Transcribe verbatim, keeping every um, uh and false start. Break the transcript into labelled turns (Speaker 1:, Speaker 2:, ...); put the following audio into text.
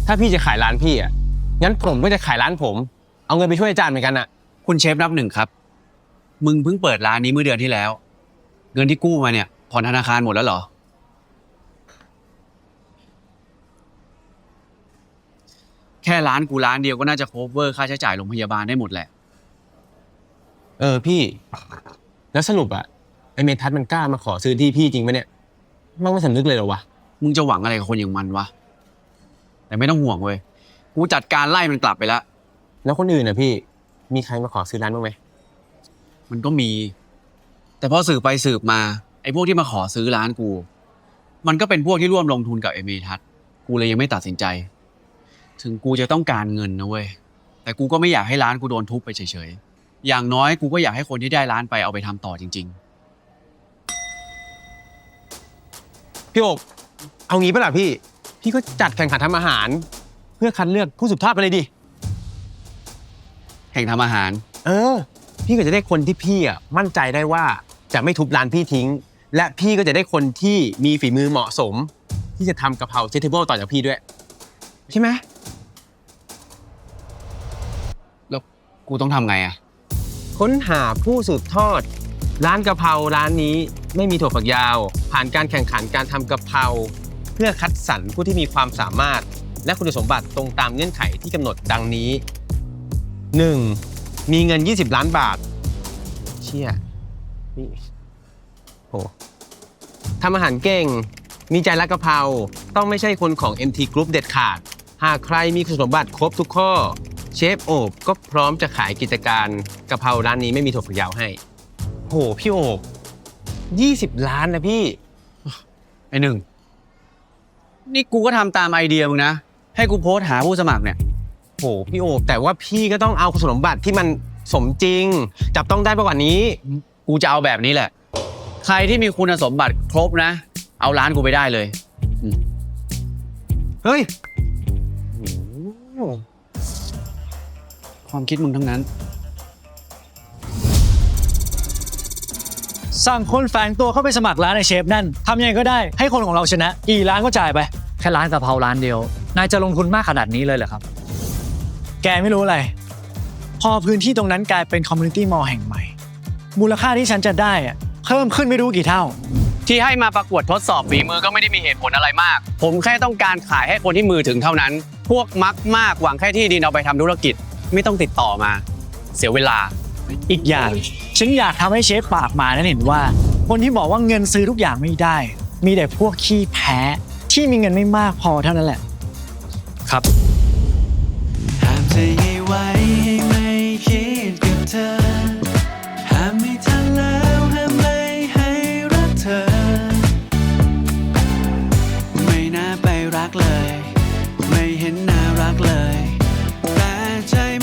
Speaker 1: ถ้าพี่จะขายร้านพี่อ่ะงั้นผมก็จะขายร้านผมเอาเงินไปช่วยอาจารย์เหมือนกันอ่ะ
Speaker 2: คุณเชฟนับหนึ่งครับมึงเพิ่งเปิดร้านนี้เมื่อเดือนที่แล้วเงินที่กู้มาเนี่ยผ่อนธนาคารหมดแล้วเหรอแค่ร้านกูร้านเดียวก็น่าจะ cover ค่าใช้จ่ายโรงพยาบาลได้หมดแหละ
Speaker 1: เออพี่แล้วสรุปอ่ะไอเมทัศน์มันกล้ามาขอซื้อที่พี่จริงไหมเนี่ยมันไม่สำนึกเลยเหรอวะ
Speaker 2: มึงจะหวังอะไรกับคนอย่างมันวะแต่ไม่ต้องห่วงเว้ยกูจัดการไล่มันกลับไปแล้ว
Speaker 1: แล้วคนอื่นอ่ะพี่มีใครมาขอซื้อร้านบ้างไหม
Speaker 2: มันก็มี แต่พอสืบไปสืบมาไอ้พวกที่มาขอซื้อร้านกูมันก็เป็นพวกที่ร่วมลงทุนกับไอ้เมทัศน์กูเลยยังไม่ตัดสินใจถึงกูจะต้องการเงินนะเว้ยแต่กูก็ไม่อยากให้ร้านกูโดนทุบไปเฉยๆอย่างน้อยกูก็อยากให้คนที่ได้ร้านไปเอาไปทำต่อจริง
Speaker 1: พี่โอบเอางี้ปะล่ะพี่พี่ก็จัดแข่งขันทำอาหารเพื่อคัดเลือกผู้สืบทอดไปเลยดิ
Speaker 2: ๆแข่งทำอาหาร
Speaker 1: เออพี่ก็จะได้คนที่พี่อ่ะมั่นใจได้ว่าจะไม่ทุบร้านพี่ทิ้งและพี่ก็จะได้คนที่มีฝีมือเหมาะสมที่จะทำกะเพราเจเทเบิลต่อจากพี่ด้วยใช่ไหม
Speaker 2: แล้วกูต้องทำไงอะ
Speaker 1: ค้นหาผู้สืบทอดร้านกะเพราร้านนี้ไม่มีถั่วฝักยาวผ่านการแข่งขันการทำกะเพราเพื่อคัดสรรผู้ที่มีความสามารถและคุณสมบัติตรงตามเงื่อนไขที่กำหนดดังนี้ หนึ่ง มีเงินยี่สิบล้านบาทเชี่ยนี่โหทำอาหารเก่งมีใจรักกะเพราต้องไม่ใช่คนของ เอ็ม ที Group เด็ดขาดหากใครมีคุณสมบัติครบทุกข้อเชฟโอบก็พร้อมจะขายกิจการกะเพราร้านนี้ไม่มีถั่วฝักยาวให้โหพี่โอบยี่สิบล้านนะพี่
Speaker 2: ไอ้หนึ่งนี่กูก็ทำตามไอเดียมึงนะให้กูโพสต์หาผู้สมัครเนี่ย
Speaker 1: โหพี่โอบแต่ว่าพี่ก็ต้องเอาคุณสมบัติที่มันสมจริงจับต้องได้มากกว่านี้
Speaker 2: กูจะเอาแบบนี้แหละใครที่มีคุณสมบัติครบนะเอาร้านกูไปได้เลย
Speaker 1: เฮ้ย
Speaker 2: ความคิดมึงทั้งนั้น
Speaker 3: สั่งคนแฝงตัวเข้าไปสมัครร้านในเชฟนั่นทำยังไงก็ได้ให้คนของเราชนะกี่ร้านก็จ่ายไป
Speaker 4: แค่ร้านกะเพราร้านเดียวนายจะลงทุนมากขนาดนี้เลยเหรอครับ
Speaker 3: แกไม่รู้อะไรพอพื้นที่ตรงนั้นกลายเป็นคอมมูนิตี้มอลล์แห่งใหม่มูลค่าที่ฉันจะได้อะเพิ่มขึ้นไม่รู้กี่เท่า
Speaker 2: ที่ให้มาประกวดทดสอบฝีมือก็ไม่ได้มีเหตุผลอะไรมากผมแค่ต้องการขายให้คนที่มือถึงเท่านั้นพวกมักมากหวังแค่ที่ดินเอาไปทำธุรกิจไม่ต้องติดต่อมาเสียเวลา
Speaker 3: อีกอย่างฉันอยากทำให้เชฟปากมานั้นเห็นว่าคนที่บอกว่าเงินซื้อทุกอย่างไม่ได้มีแต่พวกขี้แพ้ที่มีเงินไม่มากพอเท่านั้นแหละ
Speaker 4: ครับ
Speaker 5: ห้ามเธอให้ไว้ให้ไม่คิดกับเธอห้ามไม่ทันแล้วห้ามไม่ให้รักเธอไม่น่าไปรักเลยไม่เห็นน่ารักเลยแต่ใจ